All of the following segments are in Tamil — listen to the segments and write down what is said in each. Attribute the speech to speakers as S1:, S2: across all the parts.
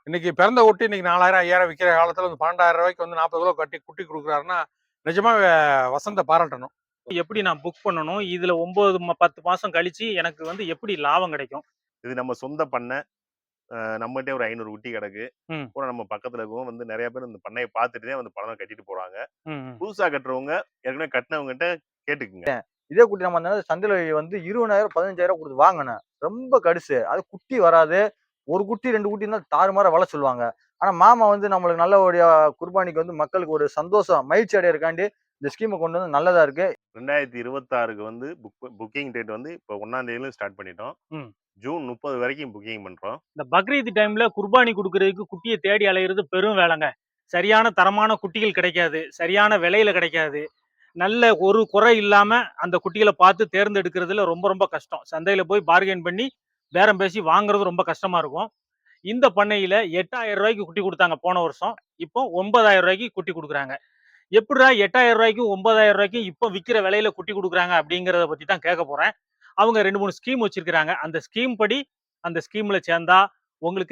S1: இன்னைக்கு பிறந்த குட்டி இன்னைக்கு 4000 5000 விற்கிற காலத்துல வந்து 12,000 ரூபாய்க்கு வந்து 40 கிலோ கட்டி குட்டி கொடுக்குறாருன்னா நிஜமா வசந்த பாராட்டணும்.
S2: எப்படி நான் புக் பண்ணணும்? இதுல 9 10 மாசம் கழிச்சு எனக்கு வந்து எப்படி லாபம் கிடைக்கும்?
S3: இது நம்ம சொந்த பண்ணை. நம்மகிட்டயே ஒரு 500 குட்டி கிடக்கு.
S2: ம்.
S3: பூரா நம்ம பக்கத்துல இருக்கவும் வந்து நெறைய பேர் இந்த பண்ணைய பார்த்துட்டு தான் வந்து பணம் கட்டிட்டு போறாங்க.
S2: ம்.
S3: புதுசா கட்டுறவங்க ஏற்கனவே கட்டுனவங்ககிட்ட கேட்டுக்குங்க.
S4: இதே குட்டி நம்ம அந்த சந்தையில வந்து 20,000 15,000 குடுத்து வாங்குனேன். ரொம்ப கடுசு. அது குட்டி வராது. 1 குட்டி 2 குட்டி இருந்தா தாறுமாறா வள சொல்லுவாங்க. ஆனா மாமா வந்து நம்மளுக்கு நல்லபடியா குர்பானிக்கு வந்து மக்களுக்கு ஒரு சந்தோஷம், மகிழ்ச்சி அடையறக்காண்டி இந்த ஸ்கீம கொண்டு வந்து நல்லதா இருக்கு.
S3: 2026க்கு வந்து புக்கிங் டேட் வந்து இப்போ 1ஆம் தேதியில ஸ்டார்ட் பண்ணிட்டோம்.
S2: ம்.
S3: ஜூன் 30 வரைக்கும் புக்கிங் பண்றோம்.
S2: இந்த பக்ரீத் டைம்ல குர்பானி குடுக்குறதுக்கு குட்டிய தேடி அலையிறது பெரும் வேலைங்க. சரியான தரமான குட்டிகள் கிடைக்காது. சரியான விலையில கிடைக்காது. நல்ல ஒரு குறை இல்லாம அந்த குட்டிகள பார்த்து தேர்ந்தெடுக்கிறதுல ரொம்ப ரொம்ப கஷ்டம். சந்தையில போய் பார்கெயின் பண்ணி பேரம் பேசி வாங்குறது ரொம்ப கஷ்டமா இருக்கும். இந்த பண்ணையில ரூ. 8,000 குட்டி குடுத்தாங்க போன வருஷம். இப்போ ரூ. 9,000 குட்டி குடுக்குறாங்க. எப்புட்றா ரூ. 8,000 ரூ. 9,000 இப்ப விக்கிற விலையில குட்டி குடுக்குறாங்க அப்படிங்கிறத பத்தி தான் கேட்க போறேன். அவங்க 2, 3 ஸ்கீம் வச்சிருக்காங்க. அந்த ஸ்கீம் படி அந்த ஸ்கீம்ல சேர்ந்தா உங்களுக்கு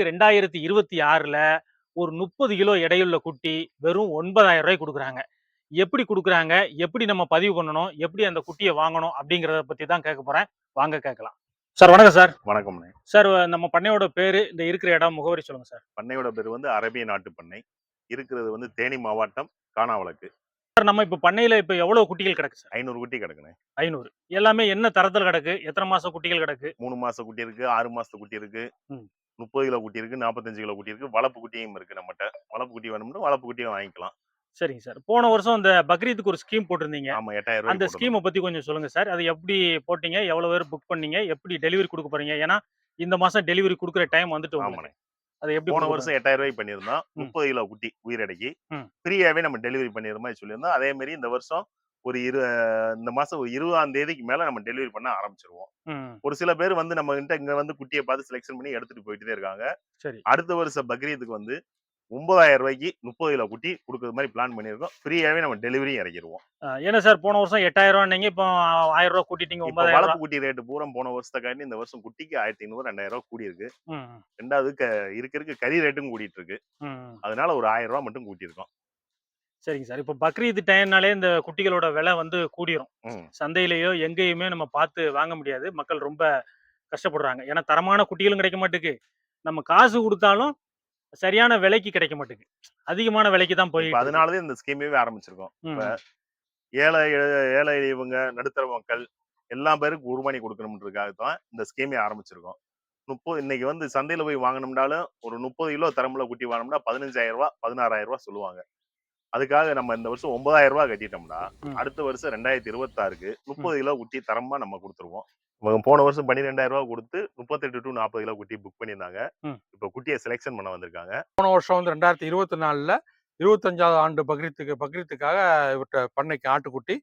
S2: 2026ல ஒரு 30 கிலோ எடையுள்ள குட்டி வெறும் ரூ. 9,000 குடுக்குறாங்க. எப்படி குடுக்குறாங்க? எப்படி நம்ம பதிவு பண்ணணும்? எப்படி அந்த குட்டிய வாங்கணும்? அப்படிங்கிறத பத்தி தான் கேட்க போறேன். வாங்க கேட்கலாம். சார் வணக்கம் சார்.
S3: வணக்கம்ண்ணே.
S2: சார் நம்ம பண்ணையோட பேரு, இந்த இருக்கிற இடம், முகவரி சொல்லுங்க சார்.
S3: பண்ணையோட பேர் வந்து அரேபிய நாட்டு பண்ணை. இருக்கிறது வந்து தேனி மாவட்டம் கானாவளக்கு.
S2: சார் நம்ம இப்ப பண்ணையில இப்ப எவ்வளவு குட்டிகள் கிடக்கு சார்?
S3: 500 குட்டி கிடக்குண்ணே.
S2: 500. எல்லாமே என்ன தரத்துல கிடக்கு? எத்தனை மாசம் குட்டிகள் கிடக்கு?
S3: 3 மாச குட்டி இருக்கு, 6 மாசத்து குட்டி இருக்கு,
S2: ம்.
S3: 30 கிலோ குட்டி இருக்கு, 45 கிலோ குட்டி இருக்கு, வளர்ப்பு குட்டியும் இருக்கு நம்மட்ட. வளர்ப்பு குட்டி வேணும்னா வளர்ப்பு குட்டியும் வாங்கிக்கலாம்.
S2: சரிங்க சார். போன வருஷம் இந்த பக்ரீத்துக்கு ஒரு ஸ்கீம் போட்டிருந்தீங்க.
S3: ஆமா, 8,000
S2: அந்த
S3: ரூபாய்க்கு
S2: ஸ்கீம பத்தி கொஞ்சம் சொல்லுங்க சார். அது எப்படி போட்டீங்க? எவ்வளவு பேர் புக் பண்ணீங்க? எப்படி டெலிவரி குடுக்க போறீங்க? ஏன்னா, இந்த மாசம் டெலிவரி குடுக்குற டைம் வந்துட்டு
S3: ஆமாண்ணே.
S2: உங்களுக்கு. அத எப்படி
S3: போன
S2: குடுக்க
S3: வருஷம்
S2: போறீங்க?
S3: 8,000 ரூபாய்க்கு பண்ணியிருந்தோம்.
S2: ம்.
S3: 30 கிலோ குட்டி உயிரடைக்கு.
S2: ம்.
S3: ஃப்ரீயாவே நம்ம டெலிவரி பண்ணிடுற மாதிரி சொல்லியிருந்தோம். அதே மாதிரி இந்த வருஷம் ஒரு இந்த மாசம் ஒரு 20ஆம் தேதிக்கு மேல நம்ம டெலிவரி பண்ண ஆரம்பிச்சிருவோம்.
S2: ம்.
S3: ஒரு சில பேர் வந்து நம்மகிட்ட இங்க வந்து குட்டிய பார்த்து செலக்ஷன் பண்ணி எடுத்துட்டு போயிட்டே இருக்காங்க.
S2: சரி.
S3: அடுத்த வருஷம் பக்ரீத்துக்கு வந்து ரூ. 9,000 30 கிலோ குட்டி குடுக்குறது மாதிரி பிளான் பண்ணியிருக்கோம். ஃப்ரீயாவே நம்ம டெலிவரியும் இறக்கிருவோம்.
S2: என்ன சார் போன வருஷம் ரூ. 8,000ன்னீங்க. இப்போ ரூ. 1,000 கூட்டிட்டீங்க ரூ.
S3: இப்ப
S2: 9,000.
S3: வளர்ப்பு குட்டி ரேட்டு பூரா போன வருஷத்துக்காண்டி இந்த வருஷம் குட்டிக்கு 1,500 ரூ. 2,000 கூடியிருக்கு.
S2: ம்.
S3: 2வது இருக்க கறி ரேட்டும் கூடிட்டு இருக்கு.
S2: ம்.
S3: அதனால ஒரு ரூ. 1,000 மட்டும் கூட்டியிருக்கோம்.
S2: சரிங்க சார். இப்போ பக்ரீத் டைம்னாலே இந்த குட்டிகளோட விலை வந்து கூடிரும்.
S3: ம்.
S2: சந்தையிலயோ எங்கேயுமே நம்ம பார்த்து வாங்க முடியாது. மக்கள் ரொம்ப கஷ்டப்படுறாங்க. ஏன்னா தரமான குட்டிகளும் கிடைக்க மாட்டுக்கு. நம்ம காசு குடுத்தாலும் சரியான விலைக்கு கிடைக்க மாட்டுக்கு. அதிகமான விலைக்கு தான்
S3: இப்ப
S2: போயிட்டு இருக்கு.
S3: அதனால தான் இந்த ஸ்கீமவே ஆரம்பிச்சிருக்கோம். இப்ப
S2: ம்.
S3: ஏழை ஏழை எளியவங்க, நடுத்தர மக்கள் எல்லா பேருக்கும் குர்பானி குடுக்கணும்ன்றதுக்காக தான் இந்த ஸ்கீமே ஆரம்பிச்சிருக்கோம். இன்னைக்கு வந்து சந்தையில போய் வாங்கணும்னாலும் ஒரு 30 கிலோ தரமுள்ள குட்டி வாங்கணும்னா ரூ. 15,000 16,000 சொல்லுவாங்க. அதுக்காக நம்ம இந்த வருஷம் ரூ. 9,000 கட்டிட்டோம்னா,
S2: ம்.
S3: அடுத்த வருஷம் 2026க்கு
S2: ம்.
S3: 30 கிலோ குட்டி தரமா நம்ம குடுத்துருவோம். போன வருஷம் ரூ. 12,000 குடுத்து 38 டூ 40 கிலோ குட்டி புக் பண்ணியிருந்தாங்க.
S2: ம்.
S3: இப்ப குட்டிய செலக்ஷன் பண்ண வந்திருக்காங்க.
S1: போன வருஷம் வந்து 2024ல 25வது ஆண்டு பக்ரீத்துக்காக இவர்ட்ட பண்ணைக்கு ஆட்டுக்குட்டி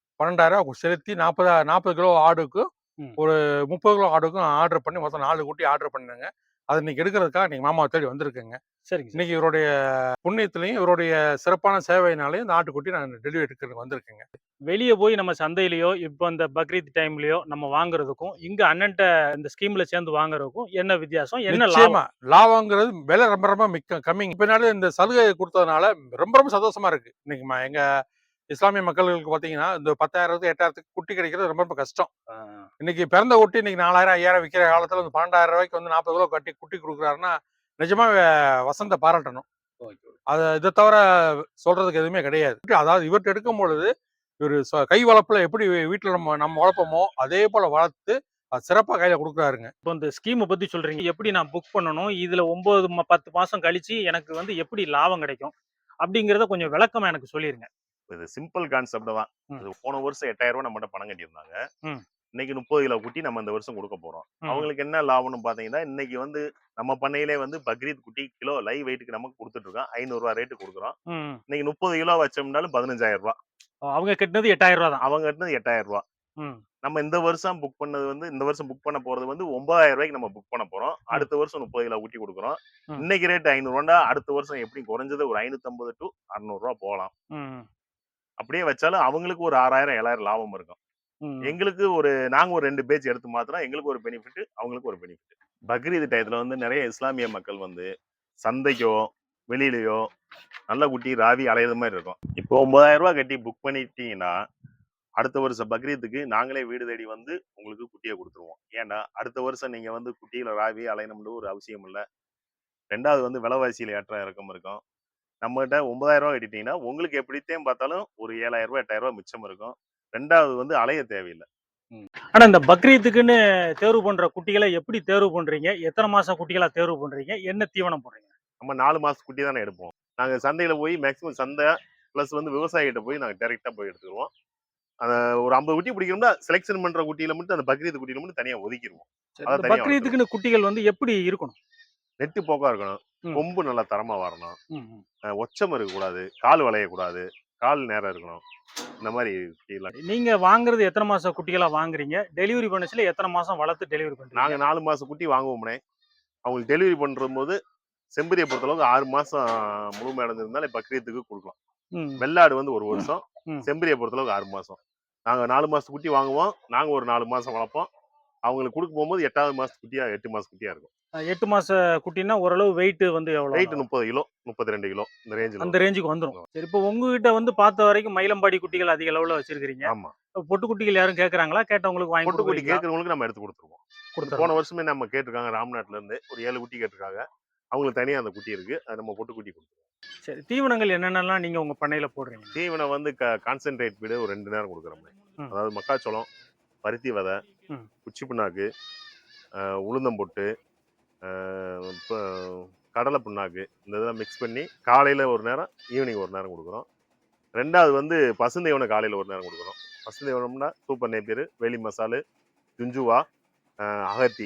S1: 12,000 செலுத்தி 40 கிலோ ஆடுக்கும்
S2: ம்.
S1: ஒரு 30 கிலோ ஆடுக்கும் ஆர்டர் பண்ணி மொத்தம் 4 குட்டி ஆர்டர் பண்ணேங்க. அது இன்னைக்கு எடுக்கிறதுக்காக இன்னைக்கு மாமாவை தேடி வந்திருக்கேங்க.
S2: சரிங்க சார்.
S1: இன்னைக்கு இவருடைய புண்ணியத்திலையும் இவருடைய சிறப்பான சேவையினாலையும் இந்த ஆட்டுக்குட்டி நான் டெலிவரி எடுக்கிறதுக்கு வந்திருக்கேங்க.
S2: வெளிய போய் நம்ம சந்தையிலயோ, இப்போ இந்த பக்ரீத் டைம்லயோ நம்ம வாங்குறதுக்கும், இங்க அண்ணன்ட்ட இந்த ஸ்கீம்ல சேர்ந்து வாங்குறதுக்கும் என்ன வித்தியாசம்? என்ன
S1: நிச்சயமா
S2: லாபம்?
S1: லாபங்கிறது விலை ரொம்ப ரொம்ப கம்மிங்க. பின்னாடி இந்த சலுகை கொடுத்ததுனால ரொம்ப ரொம்ப சந்தோஷமா இருக்கு. இன்னைக்கு எங்க இஸ்லாமிய மக்களுக்கு பாத்தீங்கன்னா இந்த 10,000 8,000 குட்டி கிடைக்கிறது ரொம்ப ரொம்ப கஷ்டம்.
S2: ஆ.
S1: இன்னைக்கு பிறந்த குட்டி இன்னைக்கு 4000 5000 விற்கிற காலத்துல வந்து 12,000 ரூபாய்க்கு வந்து 40 கிலோ கட்டி குட்டி கொடுக்குறாருன்னா நிஜமா வசந்த பாராட்டணும். அது இதை தவிர சொல்றதுக்கு எதுவுமே கிடையாது. அதாவது இவர்கிட்ட எடுக்கும் பொழுது இவர் கை வளர்ப்புல எப்படி வீட்டுல நம்ம வளர்ப்போமோ அதே போல வளர்த்து அது சிறப்பா கையில கொடுக்குறாருங்க.
S2: இப்போ இந்த ஸ்கீம பத்தி சொல்றீங்க. எப்படி நான் புக் பண்ணணும்? இதுல 9 10 மாசம் கழிச்சு எனக்கு வந்து எப்படி லாபம் கிடைக்கும்? அப்படிங்கிறத கொஞ்சம் விளக்கமா எனக்கு சொல்லிருங்க.
S3: இது சிம்பிள் கான்செப்ட் தான்.
S2: ம்.
S3: இது போன வருஷம் ரூ. 8,000 நம்மகிட்ட பணம் கட்டியிருந்தாங்க.
S2: ம்.
S3: இன்னைக்கு 30 கிலோ குட்டி நம்ம இந்த வருஷம் குடுக்க போறோம்.
S2: ம்.
S3: அவங்களுக்கு என்ன லாபம்னு பாத்தீங்கன்னா, இன்னைக்கு வந்து நம்ம பண்ணையிலே வந்து பக்ரீத் குட்டி கிலோ லைவ் வெயிட்க்கு நமக்கு குடுத்துட்டு இருக்கோம். ரூ. 500 ரேட்டு குடுக்குறோம்.
S2: ம்.
S3: இன்னைக்கு 30 கிலோ வச்சோம்னாலும் ரூ. 15,000.
S2: அவங்க கட்டினது ரூ. 8,000 தான்.
S3: அவங்க கட்டினது ரூ. 8,000.
S2: ம்.
S3: நம்ம இந்த வருஷம் புக் பண்ண போறது வந்து ரூ. 9,000 நம்ம புக் பண்ண போறோம். அடுத்த வருஷம் 30 கிலோ குட்டி குடுக்குறோம்.
S2: ம்.
S3: இன்னைக்கு ரேட் ரூ. 500 அடுத்த வருஷம் எப்படி குறைஞ்சது ஒரு 550 டூ ரூ. 600 போலாம்.
S2: ம்.
S3: அப்படியே வச்சாலும் அவங்களுக்கு ஒரு 6,000 7,000 லாபம் இருக்கும்.
S2: ம்.
S3: எங்களுக்கு நாங்க ஒரு 2 பேட்ச் எடுத்து மாத்துனா எங்களுக்கு ஒரு பெனிஃபிட், அவங்களுக்கு ஒரு பெனிஃபிட். பக்ரீத் டயத்துல வந்து நெறைய இஸ்லாமிய மக்கள் வந்து சந்தைக்கோ வெளியிலயோ நல்ல குட்டி ராவி அலையிற மாதிரி இருக்கும். இப்போ 9,000 ரூபாய் கட்டி புக் பண்ணிட்டீங்கன்னா அடுத்த வருஷம் பக்ரீத்துக்கு நாங்களே வீடு தேடி வந்து உங்களுக்கு குட்டியை கொடுத்துருவோம். ஏன்னா அடுத்த வருஷம் நீங்க வந்து குட்டியில ராவி அலையணும்னு ஒரு அவசியம் இல்லை. ரெண்டாவது வந்து விலைவாசியில ஏற்ற இறக்கம் இருக்கும். நம்மகிட்ட 9,000 ரூபாய் கட்டிட்டீங்கன்னா உங்களுக்கு எப்படித்தையும் பார்த்தாலும் ஒரு 7,000 ரூபாய் 8,000 ரூபாய் மிச்சம் இருக்கும். ரெண்டாவது வந்து அலைய தேவையில்லை.
S2: ஆனா இந்த பக்ரீத்துக்குன்னு தேர்வு பண்ற குட்டிகளை எப்படி தேர்வு பண்றீங்க? எத்தனை மாசம் குட்டிகளா தேர்வு பண்றீங்க? என்ன தீவனம் போடுறீங்க?
S3: நம்ம 4 மாசம் குட்டி தானே எடுப்போம். நாங்க சந்தையில போய் மேக்ஸிமம் சந்தை பிளஸ் வந்து விவசாயிகிட்ட போய் நாங்க டைரக்டா போய் எடுத்துருவோம். ஒரு 50 குட்டி பிடிக்கணும்னா செலெக்ஷன் பண்ற குட்டியில மட்டும் அந்த பக்ரீத் குட்டியில மட்டும் தனியா ஒதுக்கிடுவோம். அதை
S2: இந்த
S3: தனியா
S2: பக்ரீத்துக்குன்னு குட்டிகள் வந்து எப்படி இருக்கணும்?
S3: நெட்டு போக்கா இருக்கணும்.
S2: ம்.
S3: கொம்பு நல்லா தரமா வரணும்.
S2: ம், ம்.
S3: ஒச்சம் இருக்கக்கூடாது. கால் வளையக்கூடாது. கால் நேரம் இருக்கணும். இந்த மாதிரி குட்டிலாம்.
S2: நீங்க வாங்குறது எத்தனை மாசம் குட்டிகளா வாங்குறீங்க? டெலிவரி பண்ணச்சுல எத்தனை மாசம் வளர்த்து டெலிவரி பண்றீங்க?
S3: நாங்க 4 மாசம் குட்டி வாங்குவோம்னே. அவங்களுக்கு டெலிவரி பண்ற போது செம்பரியை பொறுத்தளவுக்கு 6 மாசம் முழுமை அடைஞ்சிருந்தாலே பக்ரீத்துக்கு கொடுக்கலாம்.
S2: ம்,
S3: வெள்ளாடு வந்து 1 வருஷம்.
S2: ம்.
S3: செம்பரியை பொறுத்தளவுக்கு 6 மாசம். நாங்க 4 மாசம் குட்டி வாங்குவோம். நாங்க ஒரு 4 மாசம் வளர்ப்போம். அவங்களுக்கு கொடுக்க போகும்போது 8வது மாச குட்டியா 8 மாச குட்டியா இருக்கும்.
S2: 8 மாச குட்டின்னா ஓரளவு வெயிட் வந்து எவ்வளவு
S3: வெயிட்
S2: வரும்?
S3: 30 கிலோ 32 கிலோ இந்த ரேஞ்சில்
S2: அந்த ரேஞ்சுக்கு வந்துரும். சரி, இப்போ உங்ககிட்ட வந்து பார்த்த வரைக்கும் மயிலம்பாடி குட்டிகள் அதிக அளவுல வச்சிருக்கீங்க.
S3: ஆமா.
S2: பொட்டு குட்டிகள் யாரும் கேக்குறாங்களா? கேட்டவங்களுக்கு வாங்கி
S3: பொட்டு குட்டி
S2: கொடுக்குறீங்களா?
S3: கேட்கறவங்களுக்கு நம்ம எடுத்து கொடுத்துருவோம்.
S2: கொடுத்துறோம்.
S3: போன வருஷமே நம்ம கேட்டிருக்காங்க ராம்நாட்ல இருந்து ஒரு 7 குட்டி கேட்டிருக்காங்க. அவங்களுக்கு தனியா அந்த குட்டி இருக்கு. அது நம்ம பொட்டு குட்டி கொடுத்துருவோம்.
S2: சரி, தீவனங்கள் என்னென்னலாம் நீங்க உங்க பண்ணையில போடுறீங்க?
S3: தீவனம் வந்து கான்சென்ட்ரேட் ஃபீடு ஒரு 2 நேரம் கொடுக்குறோம்.
S2: ம்.
S3: அதாவது மக்காச்சோளம், பருத்தி விதை,
S2: ம்.
S3: குச்சி புண்ணாக்கு, உளுந்தம்பொட்டு, இப்போ கடலை புண்ணாக்கு இந்த இதெல்லாம் மிக்ஸ் பண்ணி காலையில் ஒரு நேரம் ஈவினிங் ஒரு நேரம் கொடுக்குறோம். ரெண்டாவது வந்து பசுந்தீவனம் காலையில் ஒரு நேரம் கொடுக்குறோம். பசுந்தீவனம்னா சூப்பர் நேப்பியர், வேலி மசாலு, ஜுஞ்சுவா, அகத்தி.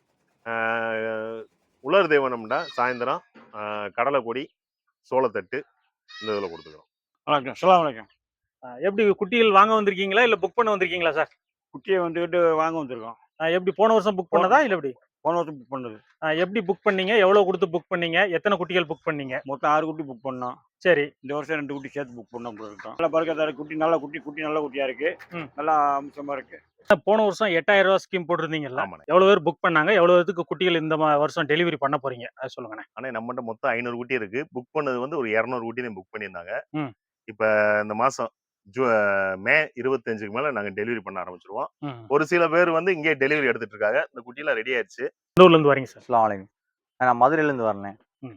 S3: உலர் தீவனம்னா சாயந்தரம் கடலை கொடி, சோளத்தட்டு இந்த இதில் கொடுத்துக்கிறோம்.
S2: வணக்கம். அஸ்ஸலாமு அலைக்கும். எப்படி குட்டிகள் வாங்க வந்திருக்கீங்களா இல்ல புக் பண்ண வந்திருக்கீங்களா சார்?
S5: குட்டியை வந்துட்டு வாங்க வந்திருக்கோம்.
S2: எப்படி போன வருஷம் புக் பண்ணதா இல்ல எப்படி?
S5: போன வருஷம் புக் பண்ணது.
S2: எப்படி புக் பண்ணீங்க? எவ்வளவு கொடுத்து புக் பண்ணீங்க? எத்தனை குட்டிகள் புக் பண்ணீங்க?
S5: மொத்தம் 6 குட்டி புக் பண்ணோம்.
S2: சரி.
S5: இந்த வருஷம் 2 குட்டி சேர்த்து புக் பண்ணோம் இருக்கோம். நல்லா பறக்கத்தாரு குட்டி, நல்ல குட்டி, குட்டி நல்ல குட்டியா இருக்கு.
S2: ம்.
S5: நல்லா அம்சமா இருக்கு.
S2: போன வருஷம் 8,000 ரூபாய் ஸ்கீம் போட்டிருந்தீங்கல்ல?
S3: ஆமாண்ணே.
S2: எவ்வளவு பேர் புக் பண்ணாங்க? எவ்வளவு பேருக்கு குட்டிகள் இந்த வருஷம் டெலிவரி பண்ண போறீங்க? அது சொல்லுங்கண்ணே.
S3: ஆனால் நம்மகிட்ட மொத்தம் 500 குட்டி இருக்கு. புக் பண்ணது வந்து ஒரு 200 குட்டி தான் புக் பண்ணியிருந்தாங்க.
S2: ம்.
S3: இப்போ இந்த மாதம் மே 25க்கு மேலே நாங்கள் டெலிவரி பண்ண ஆரம்பிச்சிருவோம்.
S2: ம்.
S3: ஒரு சில பேர் வந்து இங்கே டெலிவரி எடுத்துட்டு இருக்காங்க. இந்த குட்டிலாம் ரெடி ஆயிடுச்சு.
S2: எந்த ஊர்ல இருந்து வரீங்க சார்?
S4: அஸ்ஸலாமு அலைக்கும். நான் மதுரையிலேருந்து வரேன்.
S2: ம்.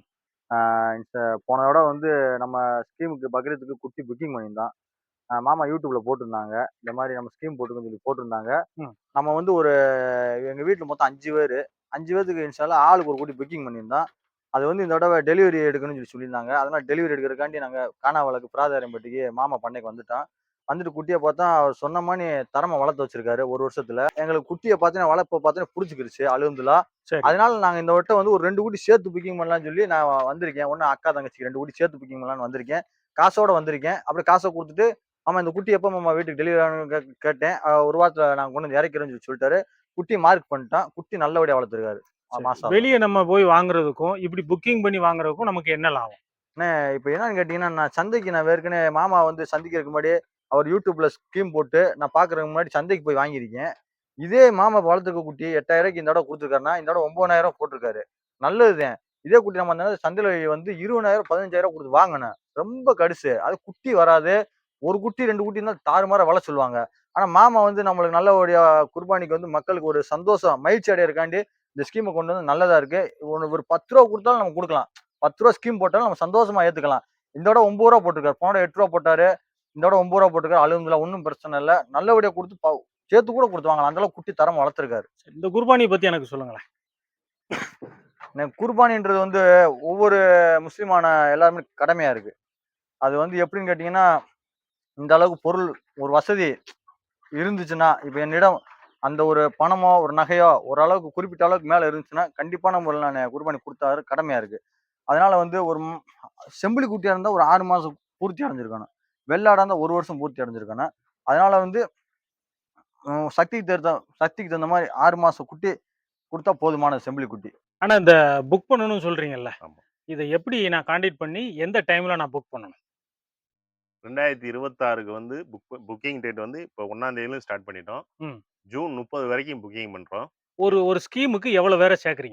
S4: போன தடவை வந்து நம்ம ஸ்கீமுக்கு பக்ரீத்துக்கு குட்டி புக்கிங் பண்ணியிருந்தோம். மாமா யூடியூப்ல போட்டிருந்தாங்க. இந்த மாதிரி நம்ம ஸ்கீம் போட்டுக்கோன்னு சொல்லி போட்டிருந்தாங்க.
S2: ம்.
S4: நம்ம வந்து ஒரு எங்க வீட்டில் மொத்தம் 5 பேர். 5 பேர்த்துக்கு இன்ஷால்லா ஆளுக்கு ஒரு குட்டி புக்கிங் பண்ணியிருந்தோம். அது வந்து இந்த தடவை டெலிவரி எடுக்கணும்னு சொல்லி சொல்லியிருந்தாங்க. அதனால டெலிவரி எடுக்கிறதுக்காண்டி நாங்கள் கானாவளக்கு பிராதாரியம்பட்டிக்கு மாமா பண்ணைக்கு வந்துட்டோம். வந்துட்டு குட்டியை பார்த்தா அவர் சொன்ன மாதிரி தரமா வளர்த்து வச்சிருக்காரு 1 வருஷத்துல. எங்களுக்கு குட்டியை பார்த்தீங்கன்னா வளர்ப்பை பார்த்தீங்கன்னா பிடிச்சிக்கிருச்சு அல்ஹம்துலில்லாஹ்.
S2: சரி.
S4: அதனால நாங்க இந்த வட்டம் வந்து ஒரு 2 குட்டி சேர்த்து புக்கிங் பண்ணலாம்னு சொல்லி நான் வந்திருக்கேன். ஒண்ணு அக்கா தங்கச்சிக்கு 2 குட்டி சேர்த்து புக்கிங் பண்ணலாம்னு வந்திருக்கேன். காசோட வந்திருக்கேன். அப்படி காசை கொடுத்துட்டு ஆமா இந்த குட்டி எப்போ மாமா வீட்டுக்கு டெலிவரி ஆகணும்னு கேட்டேன். ஒரு வாரத்துல நாங்க கொண்டு வந்து இறக்கிறோம்னு சொல்லி சொல்லிட்டாரு. குட்டி மார்க் பண்ணிட்டான். குட்டி நல்லபடியா வளர்த்துருக்காரு. மாசம்
S2: வெளியே நம்ம போய் வாங்குறதுக்கும் இப்படி புக்கிங் பண்ணி வாங்குறதுக்கும் நமக்கு என்ன லாபம்?
S4: இப்போ என்னன்னு கேட்டீங்கன்னா நான் சந்தைக்கு நான் ஏற்கனவே மாமா வந்து சந்தைக்கு முன்னாடி அவர் யூடியூப்ல ஸ்கீம் போட்டு நான் பாக்குறதுக்கு முன்னாடி சந்தைக்கு போய் வாங்கியிருக்கேன். இதே மாமா வளர்த்துக்க குட்டி 8,000 ரூபாய்க்கு இந்த தடவை கொடுத்துருக்காருன்னா இந்த தடவை 9,000 போட்டிருக்காரு. நல்லதுதான். இதே குட்டி நம்ம அந்த சந்தையில வந்து 20,000 15,000 கொடுத்து வாங்கினேன். ரொம்ப கடுசு. அது குட்டி வராது. ஒரு குட்டி 2 குட்டி இருந்தால் தாறுமாறா வள சொல்லுவாங்க. ஆனா மாமா வந்து நம்மளுக்கு நல்லபடியா குர்பானிக்கு வந்து மக்களுக்கு ஒரு சந்தோஷம் மகிழ்ச்சி அடையறக்காண்டி இந்த ஸ்கீமை கொண்டு வந்து நல்லதா இருக்கு. ஒரு 10 ரூபா கொடுத்தாலும் நம்ம கொடுக்கலாம். 10 ரூபா ஸ்கீம் போட்டாலும் நம்ம சந்தோஷமா ஏத்துக்கலாம். இந்த தடவை 9 ரூபா போட்டிருக்காரு. போன தடவை 8 ரூபா போட்டாரு. இந்த தடவை 9 ரூபா போட்டிருக்காரு. அல்ஹம்துலில்லாஹ் ஒன்றும் பிரச்சனை இல்லை. நல்லபடியா கொடுத்து சேர்த்து கூட கொடுத்து வாங்கலாம். அந்த அளவுக்கு குட்டி தரமா வளர்த்துருக்காரு.
S2: இந்த குர்பானியை பத்தி எனக்கு சொல்லுங்களேன்.
S4: எனக்கு குர்பானின்றது வந்து ஒவ்வொரு முஸ்லிமான எல்லாருமே கடமையா இருக்கு. அது வந்து எப்படின்னு கேட்டீங்கன்னா இந்த அளவுக்கு பொருள் ஒரு வசதி இருந்துச்சுன்னா இப்ப என்னிடம் அந்த ஒரு பணமோ ஒரு நகையோ ஓரளவுக்கு குறிப்பிட்ட அளவுக்கு மேல இருந்துச்சுன்னா கண்டிப்பான முறையில் நான் குர்பானி கொடுத்தாரு கடமையா இருக்கு. அதனால வந்து ஒரு செம்பிளி குட்டியா இருந்தா ஒரு 6 மாசம் பூர்த்தி அடைஞ்சிருக்கணும். வெள்ளாடா இருந்தா 1 வருஷம் பூர்த்தி அடைஞ்சிருக்கணும். அதனால வந்து சக்திக்கு தகுந்த மாதிரி 6 மாசம் குட்டி கொடுத்தா போதுமான செம்பிளி குட்டி.
S2: ஆனா இந்த புக் பண்ணணும்னு சொல்றீங்கல்ல,
S3: ஆமா.
S2: இதை எப்படி நான் கான்டாக்ட் பண்ணி எந்த டைம்ல நான் புக் பண்ணணும்?
S3: 2026க்கு வந்து புக்கிங் டேட் வந்து இப்போ 1ஆம் தேதியிலும் ஸ்டார்ட் பண்ணிட்டோம்.
S2: ம்.
S3: ஜூன் 30 வரைக்கும் புக்கிங் பண்றோம்.
S2: ஒரு ஸ்கீமுக்கு எவ்வளவு பேரை சேர்க்குறீங்க?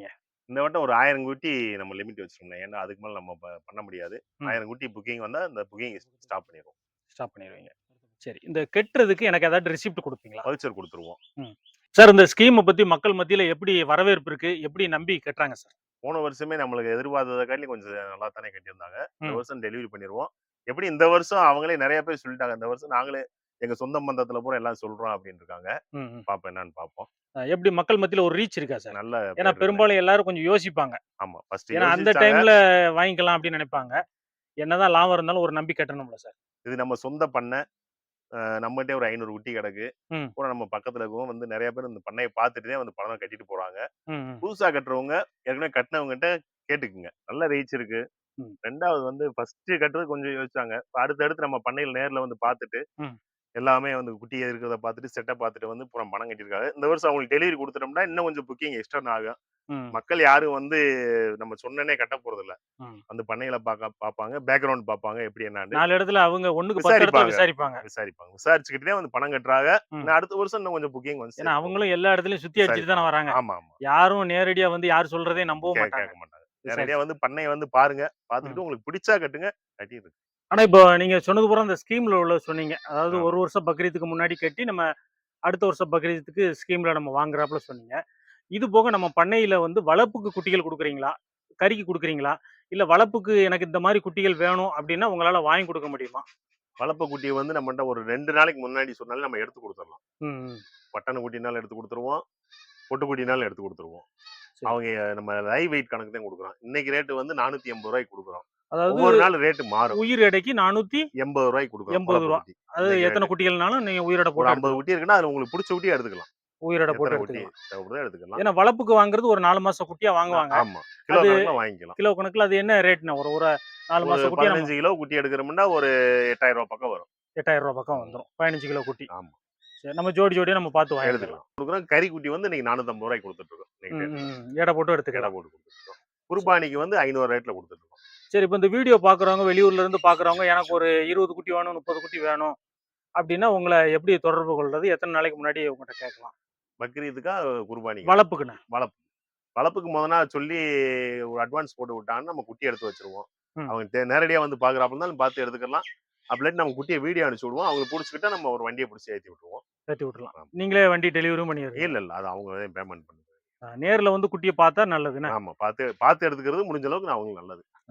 S3: இந்த வட்டம் ஒரு 1000 குட்டி நம்ம லிமிட் வச்சிருக்கோம். ஏன்னா அதுக்கு மேல நம்ம பண்ண முடியாது.
S2: ம்.
S3: 1000 குட்டி புக்கிங் வந்தா இந்த புக்கிங் ஸ்டாப் பண்ணிடுவோம்.
S2: ஸ்டாப் பண்ணிடுவீங்க. சரி. இந்த கெட்டுறதுக்கு எனக்கு ஏதாவது ரெசிப்ட் குடுப்பீங்களா?
S3: வவுச்சர் குடுத்துருவோம்.
S2: ம். சார் இந்த ஸ்கீம பத்தி மக்கள் மத்தியில எப்படி வரவேற்பு இருக்கு? எப்படி நம்பி கட்டுறாங்க சார்?
S3: போன வருஷமே நம்மளுக்கு எதிர்பார்த்தத காட்டிலும் கொஞ்சம் நல்லா தானே கட்டியிருந்தாங்க. இந்த
S2: ம்.
S3: வருஷம் டெலிவரி பண்ணிருவோம். எப்படி இந்த வருஷம் அவங்களே நெறைய பேர் சொல்லிட்டாங்க. இந்த வருஷம் நாங்களே எங்க சொந்த பந்தத்துல பூரா எல்லாம் சொல்றோம் அப்படின்னு இருக்காங்க.
S2: ம், ம்.
S3: பாப்போம் என்னன்னு பாப்போம்.
S2: எப்படி மக்கள் மத்தியில ஒரு ரீச் இருக்கா சார்?
S3: நல்ல
S2: ஏன்னா
S3: பேர்
S2: பெரும்பாலும் எல்லாரும் கொஞ்சம் யோசிப்பாங்க.
S3: ஆமா. ஃபர்ஸ்ட்
S2: ஏன்னா அந்த
S3: யோசிச்சாங்க.
S2: டைம்ல வாங்கிக்கலாம் அப்படின்னு நினைப்பாங்க. என்னதான் லாபம் இருந்தாலும் ஒரு நம்பி கட்டணும்ல சார்.
S3: இது நம்ம சொந்த பண்ணை. நம்மகிட்டயே ஒரு 500 குட்டி கிடக்கு.
S2: ம்.
S3: பூரா நம்ம பக்கத்துல இருக்கவங்க வந்து நெறைய பேர் இந்த பண்ணைய பார்த்துட்டு தான் வந்து பணம் கட்டிட்டு போறாங்க.
S2: ம், ம்.
S3: புதுசா கட்டுறவங்க ஏற்கனவே கட்டுனவங்ககிட்ட கேட்டுக்குங்க. நல்ல ரீச் இருக்கு.
S2: ம்.
S3: 2வது வந்து ஃபர்ஸ்ட் கட்டுறது கொஞ்சம் யோசிச்சாங்க. இப்ப அடுத்தடுத்து நம்ம பண்ணையில நேர்ல வந்து பார்த்துட்டு,
S2: ம்.
S3: எல்லாமே வந்து குட்டி இருக்கிறத பார்த்துட்டு, செட்டப் பார்த்துட்டு வந்து பூரா பணம் கட்டியிருக்காங்க. இந்த வருஷம் அவங்களுக்கு டெலிவரி குடுத்துட்டோம்னா, இன்னும் கொஞ்சம் புக்கிங் எக்ஸ்டர்ன் ஆகும்.
S2: ம்.
S3: மக்கள் யாரும் வந்து நம்ம சொன்னோனே கட்ட போறதில்ல.
S2: ம்.
S3: வந்து பண்ணையில பார்ப்பாங்க, பேக்கிரவுண்ட் பார்ப்பாங்க எப்படி என்னான்னு
S2: 4 இடத்துல அவங்க 1க்கு 10 இடத்துல விசாரிப்பாங்க.
S3: விசாரிப்பாங்க. விசாரிச்சுக்கிட்டு தான் வந்து பணம் கட்டுறாங்க.
S2: ம்.
S3: இன்னும் அடுத்த வருஷம் இன்னும் கொஞ்சம் புக்கிங் வந்து
S2: ஏன்னா
S3: சேர்த்து
S2: அவங்களும் எல்லா இடத்துலயும் சுத்தி அடிச்சுட்டு தானே வராங்க.
S3: ஆமா, ஆமா.
S2: யாரும் நேரடியா வந்து யார் சொல்றதையும் நம்பவும் மாட்டாங்க.
S3: கேட்க மாட்டாங்க. நேரடியா வந்து பண்ணைய வந்து பாருங்க.
S2: ம்.
S3: பார்த்துக்கிட்டு உங்களுக்கு பிடிச்சா கட்டுங்க. கட்டிருங்க.
S2: ஆனா இப்போ நீங்க சொன்னது பூரா அந்த ஸ்கீம்ல உள்ள சொன்னீங்க. அதாவது
S3: ஆமா.
S2: 1 வருஷம் பக்ரீத்துக்கு முன்னாடி கட்டி நம்ம அடுத்த வருஷம் பக்ரீத்துக்கு ஸ்கீம்ல நம்ம வாங்குறாப்புல சொன்னீங்க. இது போக நம்ம பண்ணையில வந்து வளர்ப்புக்கு குட்டிகள் குடுக்குறீங்களா? கறிக்கு குடுக்குறீங்களா? இல்ல வளர்ப்புக்கு எனக்கு இந்த மாரி குட்டிகள் வேணும் அப்டின்னா உங்களால வாங்கி குடுக்க முடியுமா?
S3: வளர்ப்பு குட்டிய வந்து நம்மட்ட ஒரு 2 நாளைக்கு முன்னாடி சொன்னாலே நம்ம எடுத்து குடுத்துரலாம்.
S2: ம், ம்.
S3: பட்டன குட்டினாலும் எடுத்து குடுத்துருவோம். பொட்டு குட்டினாலும் எடுத்து குடுத்துருவோம்.
S2: சரி.
S3: அவங்க நம்ம லைவ் வெயிட் கணக்கு தான் குடுக்குறோம். இன்னைக்கு ரேட் வந்து ரூ. 480 குடுக்குறோம்.
S2: அதாவது
S3: ஒவ்வொரு நாள் ரேட் மாறும்.
S2: உயிர் எடைக்கு 480
S3: ரூ. 80 குடுக்குறோம்.
S2: ரூ.
S3: வளர்ப்பு குட்டி.
S2: அது
S3: இன்னைக்கு
S2: எத்தன
S3: ரேட்.
S2: குட்டிகள்னாலும் நீங்க உயிரோட
S3: ஒரு
S2: போட்டு
S3: 50
S2: எடுத்துக்கலாம்.
S3: குட்டி இருக்குன்னா, அதுல உங்களுக்கு புடிச்ச குட்டிய எடுத்துக்கலாம்.
S2: உயிரோட போட்டு
S3: எத்தன குட்டி
S2: எடுத்துக்கலாம்.
S3: தேவைப்படுதோ எடுத்துக்கலாம்.
S2: ஏன்னா வளர்ப்புக்கு வாங்குறது ஒரு 4 மாச குட்டியா வாங்குவாங்க.
S3: ஆமா. கிலோ
S2: அது
S3: கணக்குல வாங்கிக்கலாம்.
S2: கிலோ கணக்குல அது என்ன ரேட்னா? ஒரு ஒரு 4
S3: ஒரு
S2: மாச குட்டியா நம்ம
S3: 15 கிலோ குட்டி எடுக்கிறோம்னா ஒரு ரூ. 8000 பக்கம் வரும்.
S2: ரூ. 8000 பக்கம் வந்துரும். 15 கிலோ குட்டி.
S3: ஆமா.
S2: சரி நம்ம ஜோடி ஜோடியா நம்ம பார்த்து வாங்கிக்கலாம்.
S3: எடுத்துக்கலாம். குடுக்குறோம். கறி குட்டி வந்து இன்னைக்கு ரூ. 450 குடுத்துட்டு இருக்கோம். இன்னைக்கு
S2: ம்,
S3: ரேட்ல.
S2: ம். எடை போட்டு
S3: எடை
S2: எடுத்துக்கலாம்.
S3: போட்டு குடுத்துட்டு இருக்கோம். குர்பானிக்கு வந்து 500 ரேட்ல குடுத்துட்டு இருக்கோம்.
S2: சரி இப்ப இந்த வீடியோ பார்க்குறவங்க வெளியூர்ல இருந்து பார்க்குறவங்க எனக்கு ஒரு 20 குட்டி வேணும், 30 குட்டி வேணும் அப்டின்னா உங்கள எப்படி தொடர்பு கொள்றது? எத்தன நாளைக்கு முன்னாடி உங்கட்ட கேட்கலாம்?
S3: பக்ரீத்துக்கா குர்பானிக்கா?
S2: வளர்ப்புக்குண்ணே.
S3: வளர்ப்பு. வளர்ப்புக்கு மொத நாள் சொல்லி ஒரு அட்வான்ஸ் போட்டு விட்டாங்கன்னா, நம்ம குட்டி எடுத்து வச்சுருவோம்.
S2: ம்.
S3: அவங்க நேரடியா வந்து பார்க்குறாப்புல இருந்தாலும் பார்த்து எடுத்துக்கலாம். அப்படி இல்லாட்டி நம்ம குட்டிய வீடியோ அனுப்பிச்சு விடுவோம். அவங்களுக்கு புடிச்சுக்கிட்டா நம்ம ஒரு வண்டிய புடிச்சு ஏத்தி விட்டுருவோம்.
S2: ஏத்தி விட்டுறலாம்.
S3: ஆமா.
S2: நீங்களே வண்டி டெலிவரியும் பண்ணிடுறீங்க.
S3: இல்ல, இல்ல. அது அவங்க தான் பேமெண்ட் பண்ணுவாங்க.
S2: நேர்ல வந்து குட்டிய பார்த்தா நல்லதுண்ணே.
S3: ஆமா. பார்த்து பார்த்து எடுத்துக்கிறது முடிஞ்ச அளவுக்கு அவங்களுக்கு நல்லது.